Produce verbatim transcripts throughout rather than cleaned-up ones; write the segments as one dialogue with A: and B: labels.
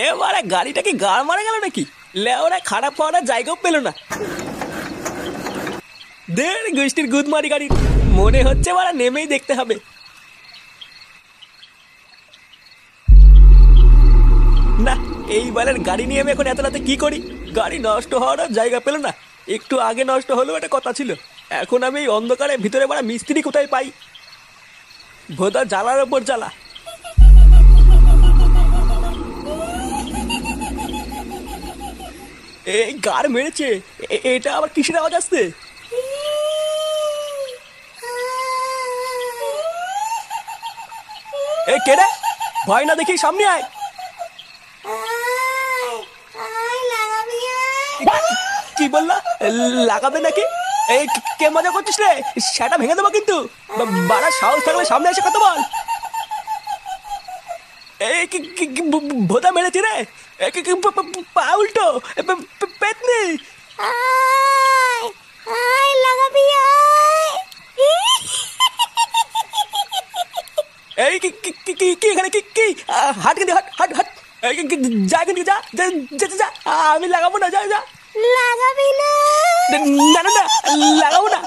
A: এবারে গাড়িটা কি গাড় মারা গেল নাকি? লেওরা খারাপ হওয়ার জায়গাও পেল না। দের গোষ্ঠীর গুদমারি গাড়ি, মনে হচ্ছে মারা নেমেই দেখতে হবে। না, এই বালের গাড়ি নিয়ে আমি এখন এত রাতে কি করি? গাড়ি নষ্ট হওয়ার জায়গা পেল না। একটু আগে নষ্ট হলেও একটা কথা ছিল। এখন আমি এই অন্ধকারে ভিতরে মারা মিস্ত্রি কোথায় পাই? ভোদা জ্বালার ওপর জ্বালা। এই গার মেরেছে, এ- এটা আবার কিসের আওয়াজ আসছে? এ কেডা? ভয় না দেখি সামনে আয়। কি বললা? লাগাবে নাকি? এই কে মজা করছিস রে? সেটা ভেঙে দেবো কিন্তু। বা- বাড়ার সাহস থাকলে সামনে এসে কথা বল। এই কি কি- কি ভ- ভ- ভোদা মেরেছি রে? এ কি- কি পা- পা- পা উল্টো, এ পে- পে- পেতনি।
B: আয় আয় লাগাবি আয়।
A: এই কি কি কি কি কি এখানে কি কি আহ, হাট কিন্তু হাট হাট হাট। এই কি- কি- যা কিন্তু যা যা যা যা, যা। আমি লাগাবো না, যা যা।
B: লাগাবি না।
A: না না না, লাগাবো না।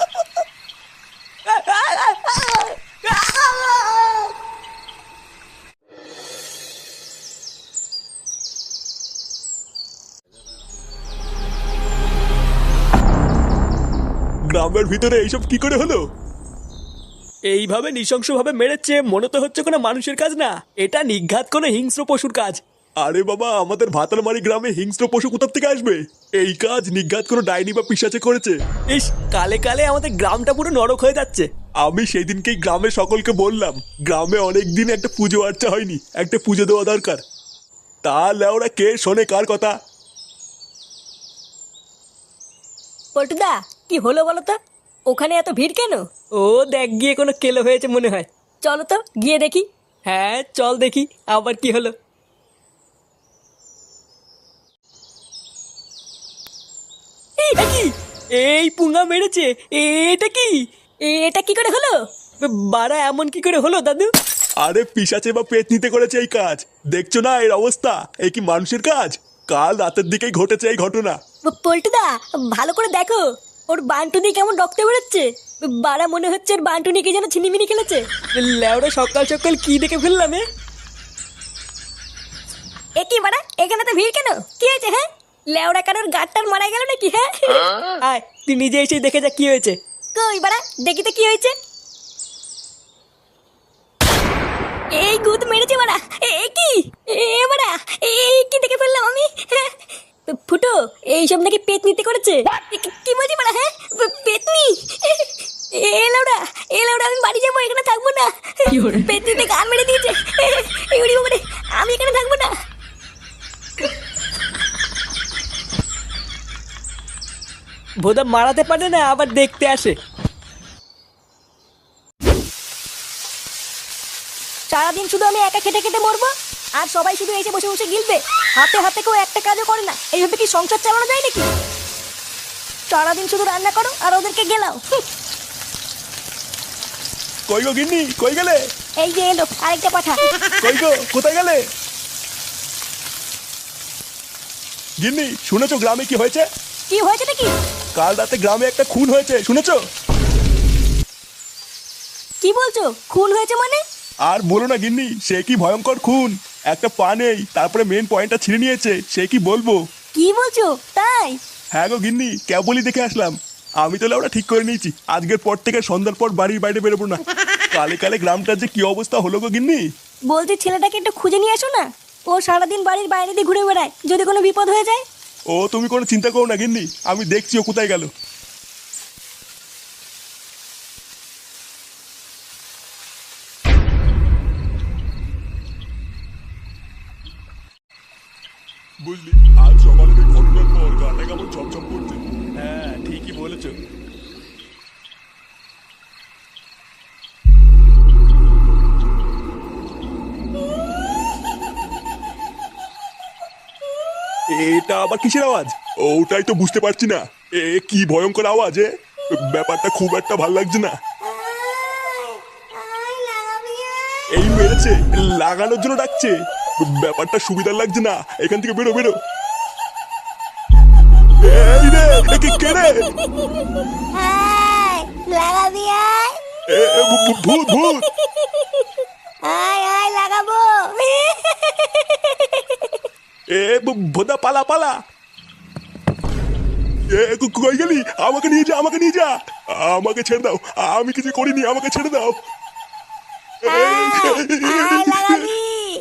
C: গ্রামের ভিতরে এইসব কি করে হলো?
A: এইভাবে নৃশংসভাবে মেরেছে, মনে তো হচ্ছে কোনো মানুষের কাজ না, এটা নিঘাত কোনো হিংস্র পশুর কাজ।
C: আরে বাবা, আমাদের ভাতালমারি গ্রামে হিংস্র পশু কোথা থেকে আসবে? এই কাজ নিঘাত কোনো ডাইনি বা পিশাচে করেছে।
A: ইস, কালে কালে আমাদের গ্রামটা পুরো নরক হয়ে যাচ্ছে।
C: আমি সেই দিনকেই গ্রামের সকলকে বললাম, গ্রামে অনেক দিন একটা পুজো আর্চা হয়নি, একটা পুজো দেওয়া দরকার। তাহলে ওরা কে শোনে কার কথা?
B: পল্টুদা, কি হলো বলো তো? ওখানে এত ভিড় কেন?
A: ও দেখ গিয়ে কোনো কেলো হয়েছে মনে হয়।
B: চলো তো গিয়ে দেখি।
A: হ্যাঁ চল দেখি আবার কি হলো। এটা কি? এই পুঙ্গা মেরেছে, এটা কি?
B: এটা কি করে হলো?
A: বাড়া এমন কি করে হলো দাদু?
C: আরে পিশাচে বা পেতনিতে করেছে এই কাজ। দেখছো না এর অবস্থা? এই কি মানুষের কাজ? কাল রাতের দিকেই ঘটেছে এই ঘটনা।
B: প- পল্টুদা, ভালো করে দেখো, ওর বান্টু দিয়ে কেমন রক্ত বেরোচ্ছে। বাড়া মনে হচ্ছে ওর বান্টু নিয়ে কি যেন ছিনিমিনি খেলেছে।
A: লেওড়া সকাল সকাল কি দেখে ফেললাম এ?
B: এ কি বাড়া, এখানে তো ভিড় কেন? কি হয়েছে? হ্যাঁ, লেওড়া কারোর গাড়টার মারা গেল নাকি? হ্যাঁ,
A: আয় তুই নিজে এসে দেখে যা কি হয়েছে।
B: কই বাড়া, দেখি তো কি হয়েছে। এই গুদ মেরেছে বাড়া। এ কি এ বাড়া, এই কি দেখে ফেললাম আমি? হ্যাঁ, ফুটো, এইসব নাকি পেতনিতে করেছে। কি- কি বলছি বাড়া? হ্যাঁ, পে- পেতনি। এ লাউডা, এ লাউডা, আমি বাড়ি যাবো, এখানে থাকবো না। পেতনিতে গান মেরে দিয়েছে। এই উড়ি বাবারে, আমি এখানে থাকবো না।
A: ভোদা মারাতে পারে না, আবার দেখতে আসে।
B: সারাদিন শুধু আমি একা খেটে খেটে মরবো, আর সবাই শুধু এসে বসে বসে গিলবে। হাতে হাতে কেউ একটা কাজও করে না। এইভাবে কি সংসার চালানো যায় নাকি? সারাদিন শুধু রান্না করো আর ওদেরকে গেলাও। হুঁ,
C: কই গো গিন্নি, কই গেলে?
B: এই যে এলো আরেকটা পাঠা।
C: কই গো, কোথায় গেলে? গিন্নি, শুনেছো গ্রামে কি হয়েছে?
B: কি হয়েছে নাকি?
C: কাল রাতে গ্রামে একটা খুন হয়েছে, শুনেছো?
B: কি বলছো? খুন হয়েছে মানে?
C: আর বলো না গিন্নি, সে কি ভয়ঙ্কর খুন। একটা পা নেই, তারপরে মেন পয়েন্টটা ছিঁড়ে নিয়েছে। সে কি বলবো।
B: কি বলছো তাই?
C: হ্যাঁ গো গিন্নি, কেবলই দেখে আসলাম। আমি তো ওরা ঠিক করে নিয়েছি, আজকের পর থেকে সন্ধ্যার পর বাড়ির বাইরে বেরোবো না। কালে কালে গ্রামটার যে কি অবস্থা হলো গো গিন্নি।
B: বলছি ছেলেটাকে একটু খুঁজে নিয়ে আসো না। ও সারাদিন বাড়ির বাইরে দিয়ে ঘুরে বেড়ায়, যদি কোনো বিপদ হয়ে যায়।
C: ও তুমি কোনো চিন্তা করো না গিন্নি, আমি দেখছি ও কোথায় গেল। বুঝলি, আজ সকালের এই ঘটনার পর গাটা কেমন ছমছম করছে।
A: হ্যাঁ ঠিকই বলেছো।
C: এটা আবার কিসের আওয়াজ? ওটাই তো বুঝতে পারছি না। এ কি ভয়ঙ্কর আওয়াজ এ। ব্যাপারটা খুব একটা ভাল লাগছে না। এই মেরেছে, লাগানোর জন্য ডাকছে। ব্যাপারটা সুবিধার লাগছে না, এখান থেকে বেরো বেরো। এই রে, এ কে- কে রে?
B: আয় লাগাবি আয়
C: এ, এ, ভূ- ভূ- ভূত ভূত।
B: আয় আয় লাগাবো
C: এ ভ- ভোদা পালা পালা। এ কো- কই গেলি? আমাকে নিয়ে যা, আমাকে নিয়ে যা। আমাকে ছেড়ে দাও, আমি কিছু করিনি, আমাকে ছেড়ে দাও।
B: আয় লাগাবি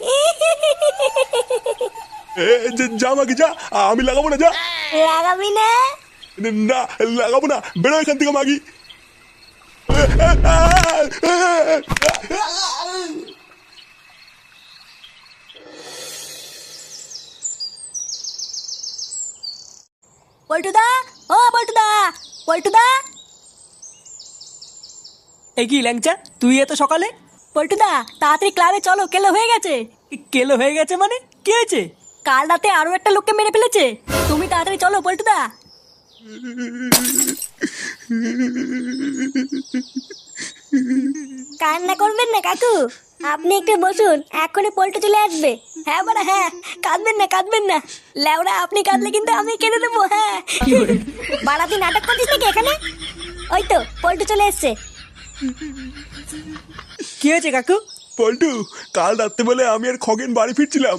C: এ, যা- যা আমাকে যা, আমি লাগাবো না, যা।
B: লাগাবি না
C: না লাগাবো না, বেরো এখান থেকে মাগি।
B: পল্টুদা, ও পল্টুদা, পল্টুদা,
A: এই কি ল্যাংচা, তুই এত সকালে?
B: পল্টুদা তাড়াতাড়ি ক্লাবে চলো, কেলো হয়ে গেছে।
A: কেলো হয়ে গেছে মানে? কি হয়েছে?
B: কাল রাতে আরো একটা লোককে মেরে ফেলেছে। তুমি তাড়াতাড়ি চলো পল্টুদা। কান্না করবেন না কাকু, আপনি একটু বসুন, এখনই পল্টু চলে আসবে। হ্যাঁ বাড়া হ্যাঁ, কাঁদবেন না কাঁদবেন না। লেওড়া আপনি কাঁদলে কিন্তু আমি কেঁদে দেবো। হ্যাঁ বাড়া তুই নাটক করছিস নাকি এখানে? ওই তো পল্টু চলে এসছে।
A: কি হয়েছে কাকু?
C: পল্টু, কাল রাত্রেবেলায় আমি আর খগেন বাড়ি ফিরছিলাম।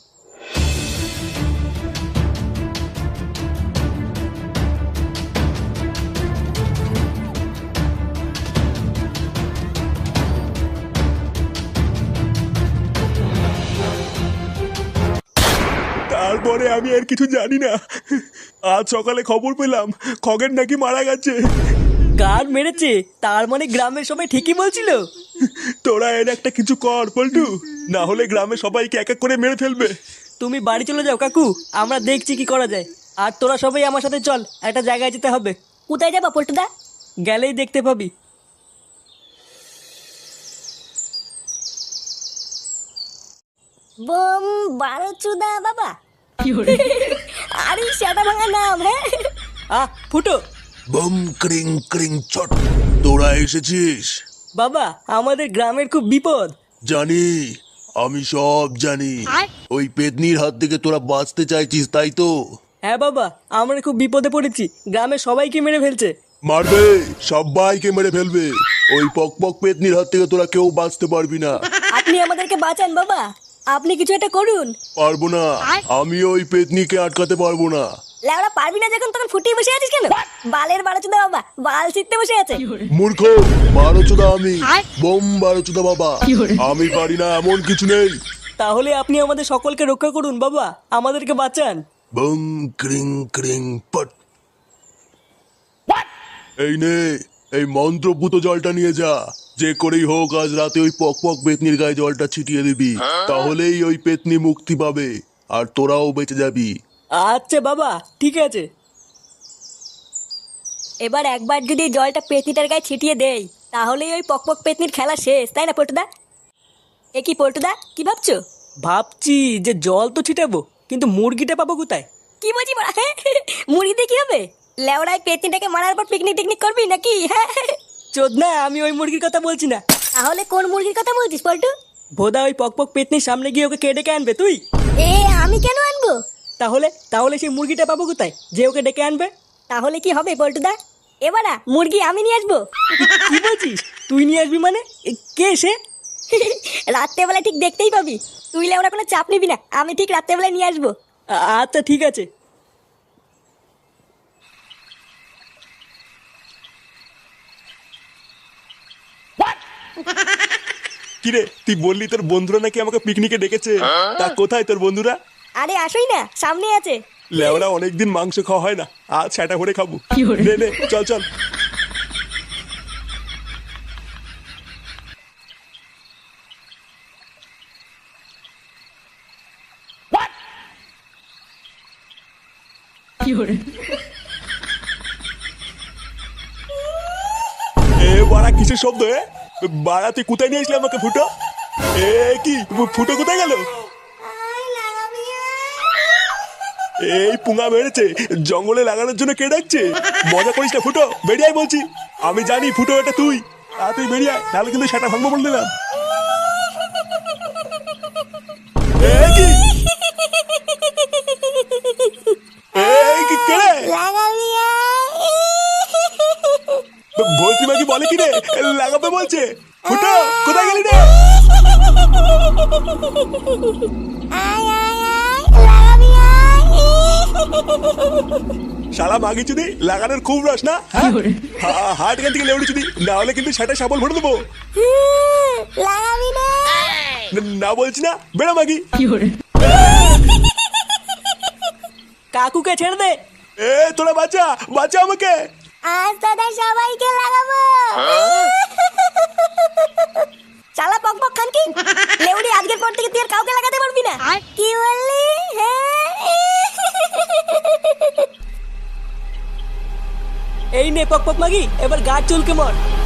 C: তারপরে আমি আর কিছু জানি না। আজ সকালে খবর পেলাম খগেন নাকি মারা গেছে।
A: গান মেরেছে? তার মানে গ্রামের সবাই ঠিকই বলছিল।
C: তোরা এর একটা কিছু কর পল্টু, না হলে গ্রামে সবাইকে এক এক করে মেরে ফেলবে।
A: তুমি বাড়ি চলে যাও কাকু, আমরা দেখছি কি করা যায়। আর তোরা সবাই আমার সাথে চল, একটা জায়গায় যেতে হবে।
B: কোথায় যাবো পল্টুদা?
A: গেলেই দেখতে পাবি।
B: বোম বারোচুদা বাবা। আরে সেটা ভাঙা নাম। হ্যাঁ
A: আহ ফুটো।
C: বম ক্রিং ক্রিং ছট, তোরা এসেছিস?
A: বাবা, আমাদের গ্রামের খুব বিপদ।
D: জানি, আমি সব জানি। ওই পেতনির হাত থেকে তোরা বাঁচতে চাইছিস, তাই তো?
A: হ্যাঁ বাবা, আমরা খুব বিপদে পড়েছি, গ্রামের সবাইকে মেরে ফেলছে।
D: মারবে, সবাইকে মেরে ফেলবে। ওই পক পক পেতনির হাত থেকে তোরা কেউ বাঁচতে পারবি না।
B: আপনি আমাদেরকে বাঁচান বাবা, আপনি কিছু একটা করুন।
D: পারবো না, আমি ওই পেতনিকে আটকাতে পারবো না।
B: লেওড়া পারবি না যখন তখন ফুটিয়ে বসে আছিস কেন? বালের বারোচুদা বাবা বাল ছিটতে বসে আছে।
D: মূর্খ, বারোচোদা আমি, বোম বারোচোদা বাবা। আমি পারি না এমন কিছু নেই।
A: তাহলে আপনি আমাদের সকলকে রক্ষা করুন বাবা, আমাদেরকে বাঁচান।
D: বম ক্রিং ক্রিং পট। এই নে, এই মন্ত্রপুত জলটা নিয়ে যা। যে করেই হোক আজ রাতে ওই পক পক পেতনির গায়ে জলটা ছিটিয়ে দিবি, তাহলেই ওই পেতনি মুক্তি পাবে আর তোরাও বেঁচে যাবি।
A: আচ্ছা বাবা, ঠিক আছে।
B: এবার একবার যদি এই জলটা পেতনিটার গায়ে ছিটিয়ে দেই, তাহলেই ওই পকপক পেতনির খেলা শেষ, তাই না পল্টুদা? এ কি পল্টুদা, কি ভাবছো?
A: ভাবছি যে জল তো ছিটাবো, কিন্তু মুরগিটা পাবো কোথায়?
B: কি বলছি বড়া? মুড়ি দিয়ে কি হবে? লেওড়ায় পেতনিটাকে মারার পর পিকনিক টিকনিক করবি নাকি? হ্যাঁ
A: চোদনা, আমি ওই মুরগির কথা বলছি না।
B: তাহলে কোন মুরগির কথা বলছিস পল্টু?
A: ভোদা ওই পকপক পেতনির সামনে গিয়ে ওকে কে ডেকে আনবে তুই?
B: এ আমি কেন আনবো?
A: তাহলে তাহলে সেই মুরগিটা পাবো কোথায় যে ওকে ডেকে আনবে?
B: তাহলে কি হবে পল্টুদা? এবারা মুরগি আমি নিয়ে আসবো।
A: কি বলছিস? তুই নিয়ে আসবি মানে? এ, কে সে?
B: রাত্রেবেলায় ঠিক দেখতেই পাবি। তুই লেওড়া কোনো চাপ নিবি না, আমি ঠিক রাত্রেবেলায় নিয়ে আসবো।
A: আ- আচ্ছা ঠিক আছে।
C: কিরে, তুই বললি তোর বন্ধুরা নাকি আমাকে পিকনিকে ডেকেছে, তা কোথায় তোর বন্ধুরা?
B: আরে আসোই না, সামনে আছে।
C: লেওরা অনেকদিন মাংস খাওয়া হয় না, আজ সেটা করে খাবো। নে নে, চল চল। এ বাড়া কিসের শব্দ? এ বাড়া তুই কোথায় নিয়ে আসলি আমাকে? ফুটো, এ কি ফুটো কোথায় গেল? এই পুঙা মেরেছে, জঙ্গলে লাগানোর জন্য কে ডাকছে? মজা করিস না ফুটো, বেরিয়ে আয় বলছি। আমি জানি ফুটো এটা তুই, আর তুই বেরিয়ে আয়, তাহলে কিন্তু সেটা ভাঙবো বলে দিলাম। এ কি এই কি করে
B: লাগাবি
C: ভর্তি মাগি বলে কি রে লাগাবে বলছে ফুটো কোথায় গেলি রে
B: আয় আয় আয় লাগাবি
C: শালা মাগি চুদি লাগানোর খুব রস না হ্যাঁ হা- হাট এখান থেকে লেউড়ি চুদি না হলে কিন্তু সেটা সাবল ভরে দেবো
B: লাগাবি না
C: না- না বলছি না বেড়া মাগি
A: কাকুকে ছেড়ে দে।
C: এ তোরা বাঁচা বাঁচা আমাকে
B: আজ দাদা সবাইকে লাগাবো চালা পক পক খান কি লেউড়ি আজকের পর থেকে তুই আর কাউকে লাগাতে পারবি না কি বললি হ্যাঁ
A: এই নে পক পক মাগি, এবার গাছ চুলকে মর।